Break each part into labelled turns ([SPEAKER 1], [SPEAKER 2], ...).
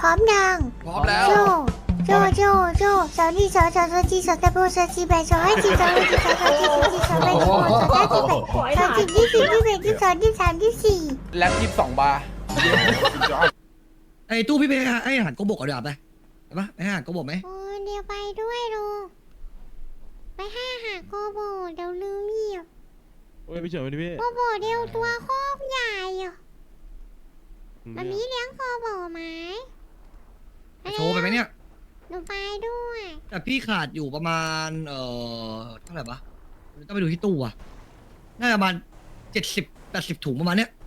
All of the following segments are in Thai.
[SPEAKER 1] ร้อมยัง
[SPEAKER 2] พร้อมแล้ว
[SPEAKER 1] โจโจสาวนี่สาวจีสาวตะโบสาวจีแบสาวให้จีสาวให้จีสาวจีสาวจีสาวแบสาวสาวจีแบสาวจีที่สี่ที่แบที่สองที่สามที่สี่
[SPEAKER 2] แล็บ22 บาร์
[SPEAKER 3] ไอ้ตู้พี่ไปให้อาหารโกบกก่อนดีกว่าไปปะไปให้อาหารโกบกไหม
[SPEAKER 1] โอ้เดี๋ยวไปด้วยลุงไปให้อาหารโกโบเดี๋ยวลืมเหยียบ
[SPEAKER 4] โอ้ยพี่เฉินไปดิพี่
[SPEAKER 1] โกโบเดี๋ยวตัวโคตรใหญ่อะมันมีเลี้ยงโกโบไหม
[SPEAKER 3] โชว์ไปไหมเนี่ย
[SPEAKER 1] หนูไปด้วย
[SPEAKER 3] แต่พี่ขาดอยู่ประมาณเท่าไหร่ปะต้องไปดูที่ตู้อะน่าจะประมาณ70-80ถุงประมาณเนี้ย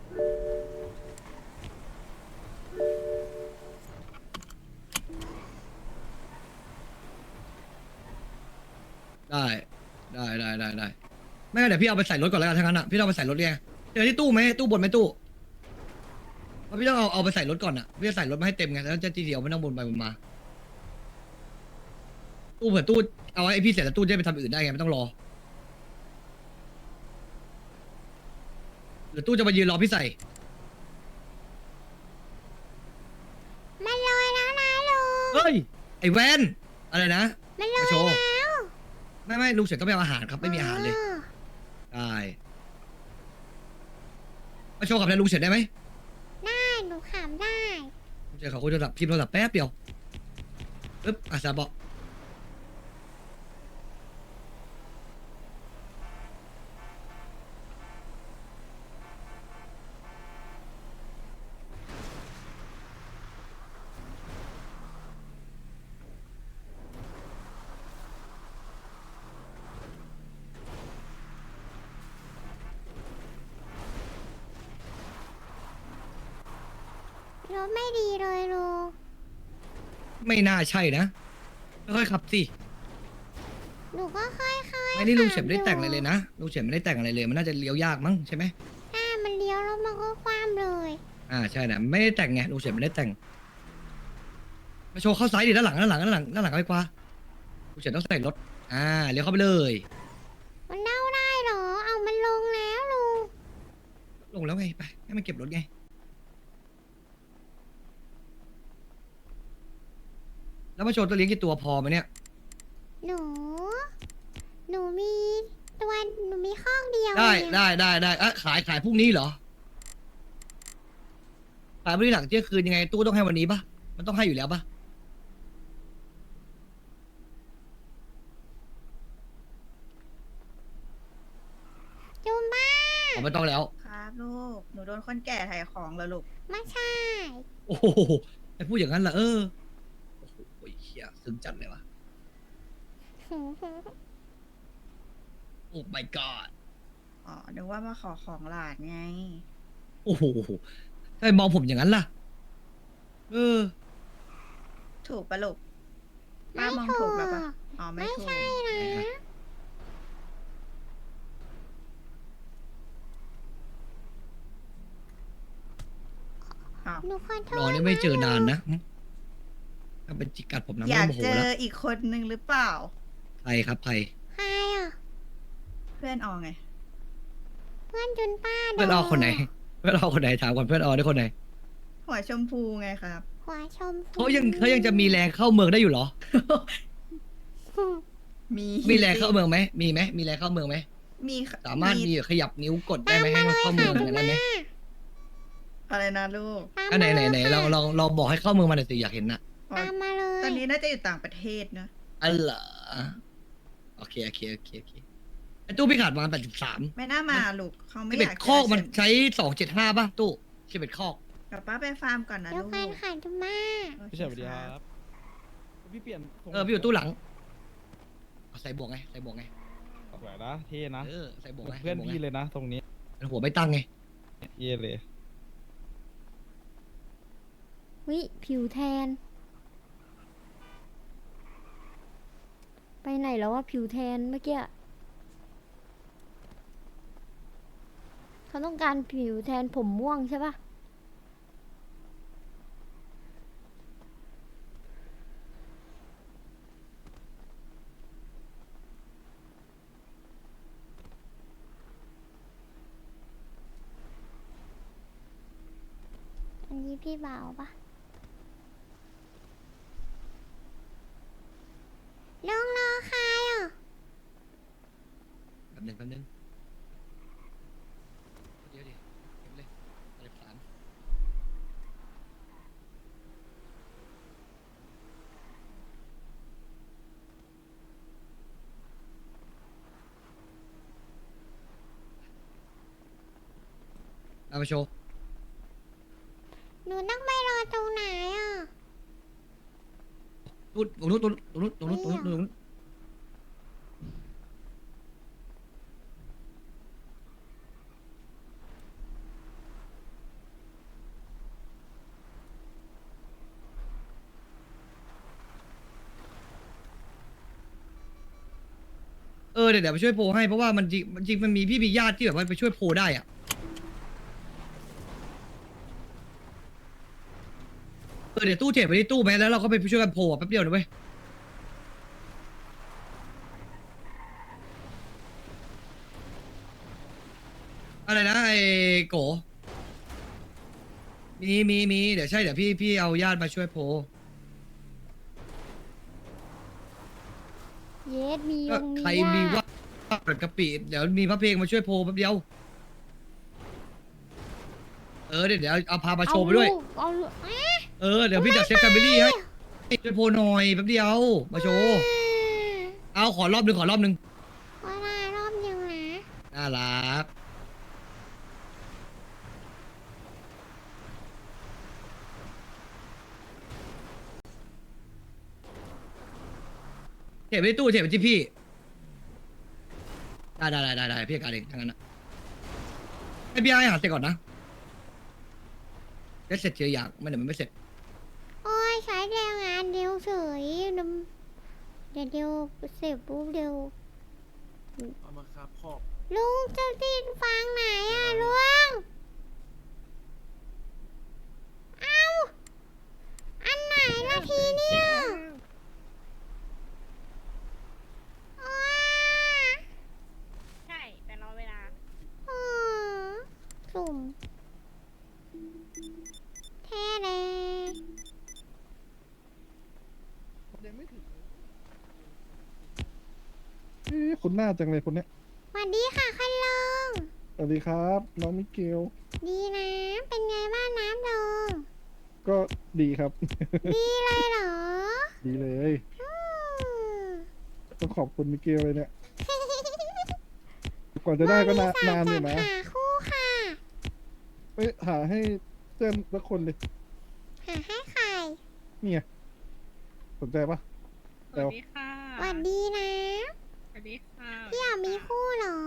[SPEAKER 3] ได้ไม่งั้นเดี๋ยวพี่เอาไปใส่รถก่อนแล้วกันทั้างนั้นอะพี่ต้องเอาไปใส่รถไงเจอที่ตู้ไหมตู้บนไหมตู้เพราะพี่ต้องเอาไปใส่รถก่อนอะพี่จะใส่รถมาให้เต็มไงแล้วจะทีเดียวไม่ต้องบนไปบนมา ตู้เผื่อตู้เอาไอ้พี่เสร็จแล้วตู้จะไปทำอื่นได้ไงไม่ต้องรอหรือตู้จะมายืนรอพี่ใส่
[SPEAKER 1] มันลอยแล้วนะลุง
[SPEAKER 3] เฮ้ยไอ้แวนอะไรนะ
[SPEAKER 1] มันลอย
[SPEAKER 3] มาโชว์
[SPEAKER 1] แล้ว
[SPEAKER 3] ไม่ลุงเสร็จก็ไม่เอาอาหารครับไม่มีอาหารเลยได้มาโชว์กับนายลุงเสร็จได้ไหม
[SPEAKER 1] ได้หนูขำได้
[SPEAKER 3] ลุงเสร็จเขาคุยโทรศัพท์พิมพ์โทรศัพท์แป๊บเดียวปึ๊บอาซาบอก
[SPEAKER 1] รถไม่ดีเลยลุง
[SPEAKER 3] ไม่น่าใช่นะค่อยๆขับสิ
[SPEAKER 1] หนูก็ค่อยๆ
[SPEAKER 3] ไม่นี่ลุงเสร็จไม่ได้แต่งอะไรเลยนะลุงเสร็จไม่ได้แต่งอะไรเลยมันน่าจะเลี้ยวยากมั้งใช่ไหม
[SPEAKER 1] ถ้ามันเลี้ยวแล้วมันก็คว่ำเลย
[SPEAKER 3] ใช่นะไม่ได้แต่งไงลุงเสร็จไม่ได้แต่งมาโชว์เข้าซ้ายดิด้านหลังไปกว่าลุงเสร็จต้องใส่รถเลี้ยวเข้าไปเลย
[SPEAKER 1] มันเน่าได้เหรอ เอามันลงแล้วลุง
[SPEAKER 3] ลงแล้วไงไปให้มันเก็บรถไงแล้วมาโชว์ตัวเลี้ยงกี่ตัวพอไหมเนี่ย
[SPEAKER 1] หนู หนูมีตัวหนูมีข้องเดียว
[SPEAKER 3] ได้
[SPEAKER 1] เอง
[SPEAKER 3] ได้ขายพรุ่งนี้เหรอขายพรุ่งนี้หลังเที่ยงคืนยังไงตู้ต้องให้วันนี้ปะมันต้องให้อยู่แล้วปะ
[SPEAKER 1] จูมบ้า
[SPEAKER 3] ไม่ต้องแล้ว
[SPEAKER 5] ครับลูก หนูโดนคนแก่ถ่ายของแล้วลูก
[SPEAKER 1] ไม่ใช่
[SPEAKER 3] โอ้โหไอ้พูดอย่างนั้นล่ะโอ้โหเฮียซึ้งจัดเลยวะโอ้ my god
[SPEAKER 5] อ๋อ นึกว่ามาขอของหลานไง
[SPEAKER 3] โอ้โหทำไมมองผมอย่างนั้นล่ะ
[SPEAKER 5] ถูกปะลูก ป้ามองถูกแล้วปะอ๋อ ไม่
[SPEAKER 1] ไม่
[SPEAKER 5] ถูก
[SPEAKER 1] ใช่นะ
[SPEAKER 5] อ้าว
[SPEAKER 1] หนูขอโทษ
[SPEAKER 3] รอนี่ไม่เจอนานนะถ้าเป็นจิกกัดผมนะ
[SPEAKER 5] อ
[SPEAKER 3] ไม่
[SPEAKER 5] ยาก
[SPEAKER 3] โมโห
[SPEAKER 5] เจอ
[SPEAKER 3] แล้ว
[SPEAKER 5] อีกคนนึงหรือเปล่า
[SPEAKER 3] ใครครับใคร
[SPEAKER 1] ใครอ่ะ
[SPEAKER 5] เพื่อนออไง
[SPEAKER 1] เพื่อนจุนป้า
[SPEAKER 3] เพื่อนออคนไหนเพื่อนออคนไหนถามก่อนเพื่อนออได้คนไหน
[SPEAKER 5] หัวชมพูไงครับ
[SPEAKER 1] หัวชมพู
[SPEAKER 3] เขายังจะมีแรงเข้าเมืองได้อยู่เหรอ
[SPEAKER 5] มี
[SPEAKER 3] มีแรงเข้าเมืองไหมมีไหมมีแรงเข้าเมืองไหม
[SPEAKER 5] มีค่ะ
[SPEAKER 3] สามารถมีขยับนิ้วกดได้ไหมให้มันเข้าเมืองอย่างนั้นไหม
[SPEAKER 5] อะไรนะลูก
[SPEAKER 1] ตาม
[SPEAKER 3] อันไหน
[SPEAKER 1] มาเลย
[SPEAKER 3] เราบอกให้เข้าเมืองมาหน่อยสิอยากเห็นนะ
[SPEAKER 5] อ๋อ
[SPEAKER 1] ตามมาเลย
[SPEAKER 5] ตอนนี้น่าจะอยู่ต่างประเทศนะ
[SPEAKER 3] อันเหรอโอเคไอ้ตู้พี่ขาดประมาณ83
[SPEAKER 5] ไม่น่ามาลูก เขาไม่อ
[SPEAKER 3] 11
[SPEAKER 5] ยาก
[SPEAKER 3] คอกมัน
[SPEAKER 5] เจอ
[SPEAKER 3] ใช้275ป่ะตู้11คอก
[SPEAKER 5] เดี๋ยวป้าไปฟาร์มก่อนนะ
[SPEAKER 1] เดี๋ยว
[SPEAKER 5] ลูก
[SPEAKER 1] กันค่ะจุนบ้า
[SPEAKER 5] โอค
[SPEAKER 4] พี่เฉินสวัสดีครับ พี่เปลี่ยนทรง
[SPEAKER 3] พี่อยู่ตู้หลังเอาใส่บวกไง
[SPEAKER 4] สวยนะเท่นะ
[SPEAKER 3] ใส่บวกไง
[SPEAKER 4] เพื่อนพี่เลยนะตรงนี้
[SPEAKER 3] หัวไม่ตั้งไง
[SPEAKER 4] เย่เลย
[SPEAKER 1] วิผิวแทน ไปไหนแล้วว่าผิวแทนเมื่อกี้เขาต้องการผิวแทนผมม่วงใช่ปะอันนี้พี่บ่าวปะ
[SPEAKER 3] แป๊บนึงเดี๋ยวดิเก็บเลยเก็บสารเอามาโชว์
[SPEAKER 1] หนูนั่งไม่รอตรงไหนอ่ะ
[SPEAKER 3] ตรงนู้นเดี๋ยวไปช่วยโพลให้เพราะว่ามันจริงมันมีพี่มีญาติที่แบบว่าไปช่วยโพลได้อ่ะเดี๋ยวตู้เทปไปที่ตู้ไหมแล้วเราก็ไปช่วยกันโพลแป๊บเดียวนะเว้ยอะไรนะไอ้โกมีเดี๋ยวเดี๋ยวพี่เอาญาติมาช่วยโพล
[SPEAKER 1] เยสมีย
[SPEAKER 3] ก็
[SPEAKER 1] งมี
[SPEAKER 3] ใครมีว่าเปิดกะปิเดี๋ยวมีพระเพลงมาช่วยโพลแป๊บเดียวเดี๋ยวเอาพามาโชว์ไปด้วย
[SPEAKER 1] เอาลูกเอ๊ะ
[SPEAKER 3] เดี๋ยวพี่จัดเซตแฟมิลี่ให้ช่วยโพลหน่อยแป๊บเดียวมาโชว์เอาขอรอบหนึ่ง
[SPEAKER 1] เวลารอบยังนะ
[SPEAKER 3] น่ารักเทปไปที่ตู้เทปไปที่พี่ได้พี่การเองทั้งนั้นนะให้พี่ให้หาเสร็จก่อนนะเสร็จเจออย่างไม่เดี๋ยวมันไม่เสร็จ
[SPEAKER 1] โอ้ยใช้แรงงานเดียวเฉยเดี๋ยวเสร็จปุ๊บเดี๋ยว
[SPEAKER 2] เอามาครับขอบ
[SPEAKER 1] ลุงจะติดฟังไหนอ่ะลุงเอาอันไหนละทีเนี่ยอ้า
[SPEAKER 5] ใช่ แต่รอเวลา
[SPEAKER 1] อ๋อสุ่มแท้เลย
[SPEAKER 4] ยังไม่ถึงคุณหน้าจังเลยคนเนี้ย
[SPEAKER 1] สวัสดีค่ะคันลง
[SPEAKER 4] สวัสดีครับน้องมิเกล
[SPEAKER 1] ดีนะ เป็นไงบ้างน้ำลง
[SPEAKER 4] ก็ดีครับ
[SPEAKER 1] ดีเลยเหรอ
[SPEAKER 4] ดีเลย
[SPEAKER 1] อืม
[SPEAKER 4] ต้องขอบคุณมิเกลเลยเนี่ยกว่าจะได้ก็นานอยู่นะ
[SPEAKER 1] หาคู่ค่ะ
[SPEAKER 4] ไปหาให้เพื่อนสักคนเลย
[SPEAKER 1] หาให้ใคร
[SPEAKER 4] เนี่ยสนใจปะ
[SPEAKER 5] สวัสดีค่ะ
[SPEAKER 1] สวัสดีนะ
[SPEAKER 5] สวัสดีค่ะ
[SPEAKER 1] พี่อยากมีคู่เหรอ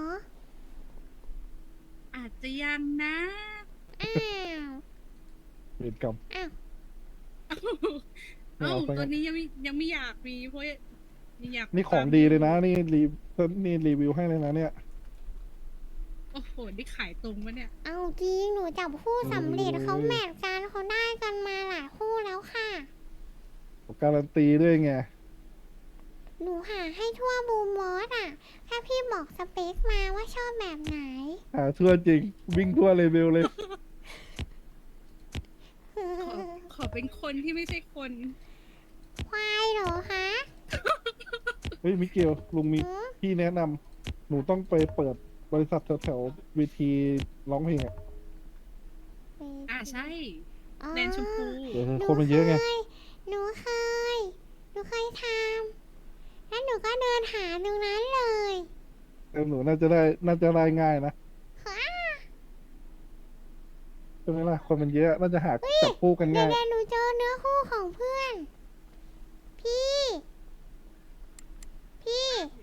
[SPEAKER 5] อาจจะยังนะ
[SPEAKER 1] อ้าว
[SPEAKER 4] เวรกรรม
[SPEAKER 1] อ้าว
[SPEAKER 4] ไม่
[SPEAKER 5] เอ้า
[SPEAKER 4] เอาซะงั้น
[SPEAKER 5] ตอนนี้ยังไม่อยากมีเพราะยังอยาก
[SPEAKER 4] นี่ของดีเลยนะ นี่รีวิวให้เลยนะเนี่ย
[SPEAKER 5] โอ้โห นี่ขายตรงปะเนี่ย
[SPEAKER 1] เอาจริง หนูจับคู่สำเร็จเขาแมทกันเขาได้กันมาหลายคู่แล้วค่ะ
[SPEAKER 4] การันตีด้วยไง
[SPEAKER 1] หนูหาให้ทั่วบูมมอสอ่ะ แค่พี่บอกสเปคมาว่าชอบแบบไหน
[SPEAKER 4] หาทั่วจริง วิ่งทั่วเลเวลเลย
[SPEAKER 5] ขอเป็นคนที่ไม่ใช่คน
[SPEAKER 1] ควายเหรอคะ
[SPEAKER 4] เฮ้ยมิเกลลุงมี
[SPEAKER 1] หือ
[SPEAKER 4] พี่แนะนำหนูต้องไปเปิดบริษัทแถวๆเวทีร้องเพลงอ่ะ
[SPEAKER 5] ใช่
[SPEAKER 1] อ๋อ
[SPEAKER 5] แดนชมพู
[SPEAKER 4] เดี๋ยวคนมันเยอะไง
[SPEAKER 1] หนูเคยทำแล้วหนูก็เดินหาตรงนั้นเลย
[SPEAKER 4] หนูน่าจะได้ง่ายนะ
[SPEAKER 1] ค่ะ
[SPEAKER 4] ใช่ไหมล่ะ คนมันเยอะ น่าจะหาจับคู่กัน
[SPEAKER 1] เดี๋ย
[SPEAKER 4] ง่า
[SPEAKER 1] วย เดี๋ยวหนูเจอเนื้อคู่ของเพื่อน พี่ พี่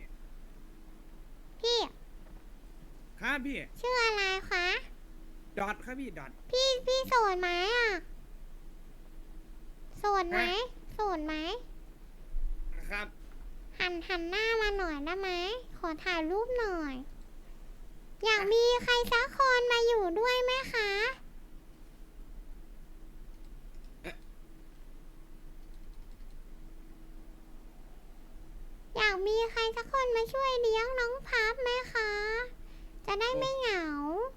[SPEAKER 2] ครับพี่
[SPEAKER 1] ชื่ออะไรคะ
[SPEAKER 2] ดอทครับพี่ดอท
[SPEAKER 1] พี่โสดไหมอ่ะโสดไหม
[SPEAKER 2] ฮะ
[SPEAKER 1] โสดไหม
[SPEAKER 2] ครับ
[SPEAKER 1] หันหน้ามาหน่อยได้ไหม ขอถ่ายรูปหน่อย อยากมีใครสักคนมาอยู่ด้วยไหมคะ อยากมีใครสักคนมาช่วยเลี้ยงน้องพับไหมคะ จะได้ไม่เหงา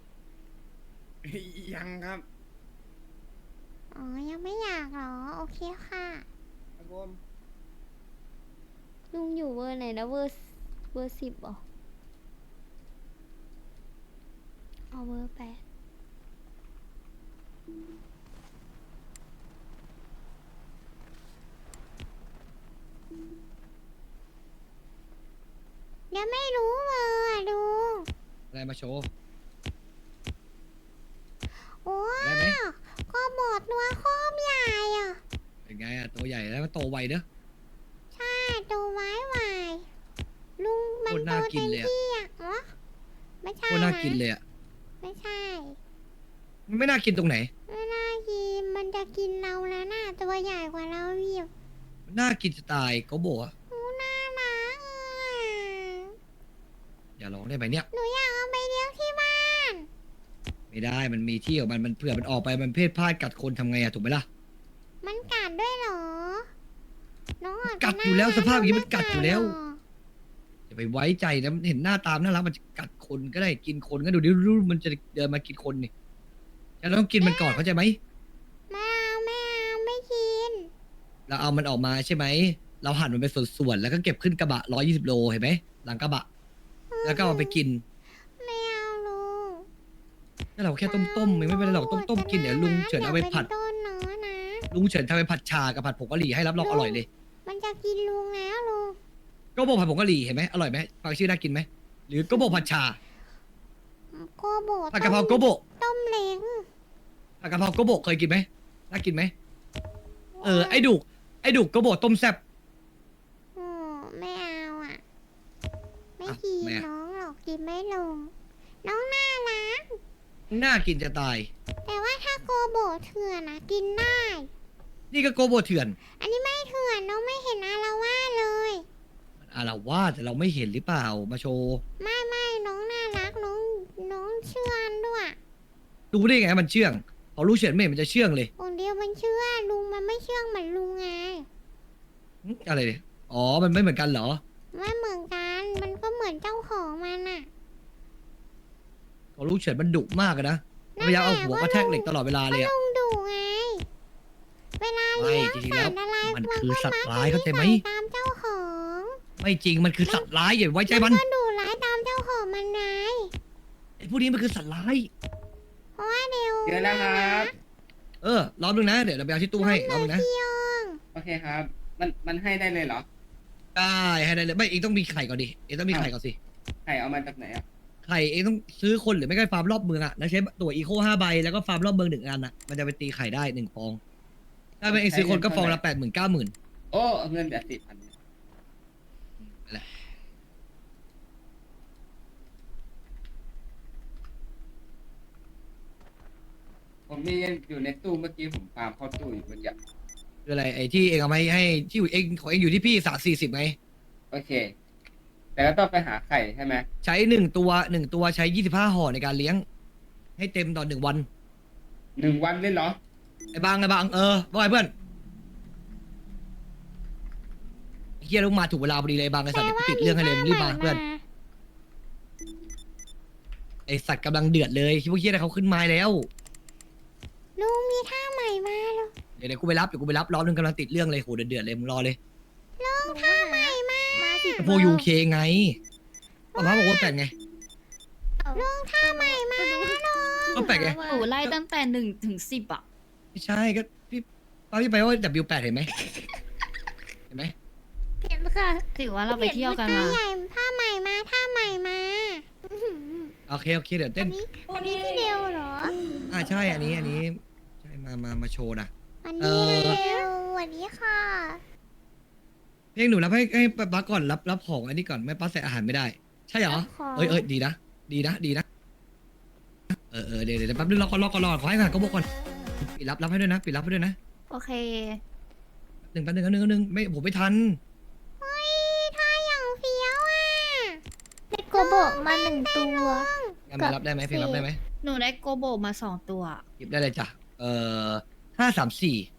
[SPEAKER 2] ยังครับ
[SPEAKER 1] อ๋อ ยังไม่อยากเหรอ โอเคค่ะ
[SPEAKER 2] ครับผม
[SPEAKER 1] ลุงอยู่เวอร์ไหนนะเวอร์10เหรออเวอร์แปดเดี๋ยวไม่รู้เลยอะดู
[SPEAKER 3] อะไรมาโชว์
[SPEAKER 1] โอ้
[SPEAKER 3] ได้ไหม
[SPEAKER 1] ก็บดตัวโคมใหญ่อ่ะ
[SPEAKER 3] เป็นไงอะตัวใหญ่แล้วมันโตไวเด้อ
[SPEAKER 1] ใช่ตัวไว้ไวลุงมัน
[SPEAKER 3] โคตร
[SPEAKER 1] โต
[SPEAKER 3] น่ากิ
[SPEAKER 1] เต็
[SPEAKER 3] น
[SPEAKER 1] ม
[SPEAKER 3] เลยอะ
[SPEAKER 1] ที่อ่ะเหรอไม่ใช่
[SPEAKER 3] โคตรน่า
[SPEAKER 1] นะ
[SPEAKER 3] กินเลยอะ
[SPEAKER 1] ไม่ใช่
[SPEAKER 3] มันไม่น่ากินตรงไหน
[SPEAKER 1] ไม่น่ากินมันจะกินเราแล้วน่ะตัวใหญ่กว่าเราอีก
[SPEAKER 3] มันน่ากินสไตล์โกโบะ
[SPEAKER 1] หนูน่ารักอ่ะ
[SPEAKER 3] อย่าร้องได้ไหมเนี่ย
[SPEAKER 1] หนูอยากเอาไปเลี้ยงที่บ้าน
[SPEAKER 3] ไม่ได้มันมีที่ของมันเผื่อมันออกไปมันเพศพลาดกัดคนทำไงอะถูกไหมล่ะ
[SPEAKER 1] มันกัดด้วยเหรอน้องอาจจะ
[SPEAKER 3] กัดอยู่แล้ว
[SPEAKER 1] น่รั
[SPEAKER 3] สภาพอย่างนี้มันกัดอยู่แล้ว
[SPEAKER 1] หร
[SPEAKER 3] อย่าไปไว้ใจนะมันเห็นหน้าตามน่ารักมันจะกัดคนก็ได้กินคนก็ดูดิรู้มันจะเดินมากินคนนี่ฉันต้องกินมันก่อนเข้าใจไหม
[SPEAKER 1] ไม่เอาไม่เอาไม่กิน
[SPEAKER 3] เราเอามันออกมาใช่ไหมเราหั่นมันเป็นส่วนๆแล้วก็เก็บขึ้นกระบะ120 โลเห็นไหมหลังกระบะ แล้วก็เอาไปกิน
[SPEAKER 1] ไม่เอาลุง
[SPEAKER 3] แล้วเราแค่ต้มๆไม่เป็นไรหรอกต้มๆกินเดี๋ยวลุงเฉินเอาไปผัด
[SPEAKER 1] ต้นเนาะนะ
[SPEAKER 3] ลุงเฉินทำไปผัดชากับผัดผงกะหรี่ให้รับรองอร่อยเลย
[SPEAKER 1] มันจะกินลุงแล้วลุง
[SPEAKER 3] ก็บอกผัดผงกะหรี่เห็นไหมอร่อยไหมฟังชื่อน่ากินไหมหรือก็บอกผัดชา
[SPEAKER 1] โกโบ
[SPEAKER 3] ผัดกะเพราโกโบะ
[SPEAKER 1] ต้มเล้ง
[SPEAKER 3] ผัดกะเพราโกโบะเคยกินไหมน่ากินไหมไอ้ดุกโกโบะต้มแซ่บ
[SPEAKER 1] โอ้ไม่เอาอ่ะ ไม่
[SPEAKER 3] อ่ะ
[SPEAKER 1] กิน
[SPEAKER 3] ไม่อ่ะ
[SPEAKER 1] น้องหรอกกินไม่ลง น้องน่ารัก
[SPEAKER 3] น่ากินจะตาย
[SPEAKER 1] แต่ว่าถ้าโกโบเถื่อนนะกินได้
[SPEAKER 3] นี่ก็โกโบะเถื่อน
[SPEAKER 1] อันนี้ไม่เถื่อนน้องไม่เห็นอาละว่าดเลย
[SPEAKER 3] มันอาละวาดแต่เราไม่เห็นหรือเปล่ามาโชว์
[SPEAKER 1] ไม่น้องน่ารักน้องเชื่อนด้วย
[SPEAKER 3] รู้ได้ไงมันเชื่องพอรู้เฉินไม่เห็นมันจะเชื่องเลย
[SPEAKER 1] คนเดียวมันเชื่อลุงมันไม่เชื่องเหมือนลุงไง
[SPEAKER 3] อะไรเนี่ยอ๋อมันไม่เหมือนกันเหรอ
[SPEAKER 1] ไม่เหมือนกันมันก็เหมือนเจ้าของมันอ่ะ
[SPEAKER 3] พอรู้เฉินมันดุมากอะนะมันพยายามเอาหัวกระแทกเหล็กตลอดเวลาเลยอะ
[SPEAKER 1] ลุงดุไง เวลา
[SPEAKER 3] ไม่
[SPEAKER 1] เลี้ยง
[SPEAKER 3] จริงๆแล้
[SPEAKER 1] สั
[SPEAKER 3] ว
[SPEAKER 1] ตว์อะไร
[SPEAKER 3] มันคือสัตว์ร้ายเข้าใจไหม
[SPEAKER 1] นก็ตามเจ้าของ
[SPEAKER 3] ไม่จริงมันคือสัตว์ร้ายอย่าไว้ใจมัน
[SPEAKER 1] ก็ดุร้ายตามเจ้าของมันไง
[SPEAKER 3] ไอ้พวกนี้มันคือสัตว์ร้าย
[SPEAKER 1] เพราะว่าเดี๋ยว
[SPEAKER 2] เดี๋ยวนะครับ
[SPEAKER 3] รอบนึงนะเดี๋ยวเราไปเอาที่ตู้ให้รอบนึงนะ
[SPEAKER 1] พี่ยอง
[SPEAKER 2] โอเคครับ มันให้ได้เลยเหรอ
[SPEAKER 3] ได้ให้ได้เลยไม่เองต้องมีไข่ก่อนดิเองต้องมีไข่ก่อนสิ
[SPEAKER 2] ไข่เอามาจากไหนอ่ะ
[SPEAKER 3] ไข่เองต้องซื้อคนหรือไม่ก็ฟาร์มรอบเมืองอะแล้วใช้ตั๋วอีโค5 ใบแล้วก็ฟาร์มรอบเมือง1 อันอะมันจะไปตีไข่ได้1 ฟองถ้าเป็นเองซื้อคนก็ฟองละ80,000 90,000
[SPEAKER 2] โอ้เงินแต่10,000
[SPEAKER 3] นั่นแหละ
[SPEAKER 2] ผมมีอยู่ในตู้เมื่อกี้ผมฟาร์มเข้าตู้อยู่เมื่อกี้
[SPEAKER 3] คืออะไรไอ้ที่เองเอามาให้ที่เองของเองอยู่ที่พี่40ไง
[SPEAKER 2] โอเค แต่ก็ต้องไปหาไข่ใช่ไหม
[SPEAKER 3] ใช้1 ตัวใช้25 ห่อในการเลี้ยง ให้เต็มตอน1 วัน
[SPEAKER 2] 1 วันเลยเหรอ
[SPEAKER 3] ไอ้บางว่าไงเพื่อนไอ้เฮียลูกมาถูกเวลาพอดีเลยบางไอ้สัตว์เดี๋ยวกูติดเรื่องให้เลยมึงรีบมาเพื่อนไอ้สัตว์กำลังเดือดเลยพวกเฮียเขาขึ้นไม้แล้ว
[SPEAKER 1] ลุงมีท่าใหม่มาแล้ว
[SPEAKER 3] เดี๋ยวกูไปรับรอบนึงกำลังติดเรื่องเลยโหเดือดเลยมึงรอเลย
[SPEAKER 1] ลุงท่าใหม่มา
[SPEAKER 3] พวกยูเคไงป้ามาบอกว่าแปลกไง
[SPEAKER 1] ลุงท่าใหม่มาแล้วลุง
[SPEAKER 3] ก็แปลกไง
[SPEAKER 6] หนูไล่ตั้งแต่1 ถึง 10อ่ะ
[SPEAKER 3] ไม่ใช่ก็พี่ป้าพี่ไปว่า W8 เห็นไหมเห็นไหม
[SPEAKER 1] เห็นค่ะ
[SPEAKER 6] ถือว่าเราไปเที่ยวกัน
[SPEAKER 1] ท่า
[SPEAKER 6] มา
[SPEAKER 1] ใหญ่ท่าใหม่มาท่าใหม่มา
[SPEAKER 3] โอเคเดี๋ยวเต้น
[SPEAKER 1] อันนี้ที่เดียวเหรอ
[SPEAKER 3] ใช่อันนี้ใช่มาโชว์นะ
[SPEAKER 1] อัน
[SPEAKER 3] เอ
[SPEAKER 1] นี้
[SPEAKER 3] อ
[SPEAKER 1] เร็วสวัสดีค่ะ
[SPEAKER 3] เพียงหนูรับให้ป้าก่อนรับของอันนี้ก่อนไม่ป้าใส่อาหารไม่ได้ ใช่เหรอ เอ้ยดีนะเดี๋ยวแป๊บนึงรอก่อนขอให้ผ่านก็บอกก่อนปิดรับให้ด้วยนะปิดรับให้ด้วยนะ
[SPEAKER 6] โอเค
[SPEAKER 3] แป๊บนึงไม่ผมไม่ทัน
[SPEAKER 1] เฮ้ยท่าอย่างเฟี้ยวอ่ะได้โกโบมา1 ตัว
[SPEAKER 3] งั้นมารับได้ไหมเพียงรับได้ไหม
[SPEAKER 6] หนูได้โกโบมา2 ตัว
[SPEAKER 3] หยิบได้เลยจ้ะ534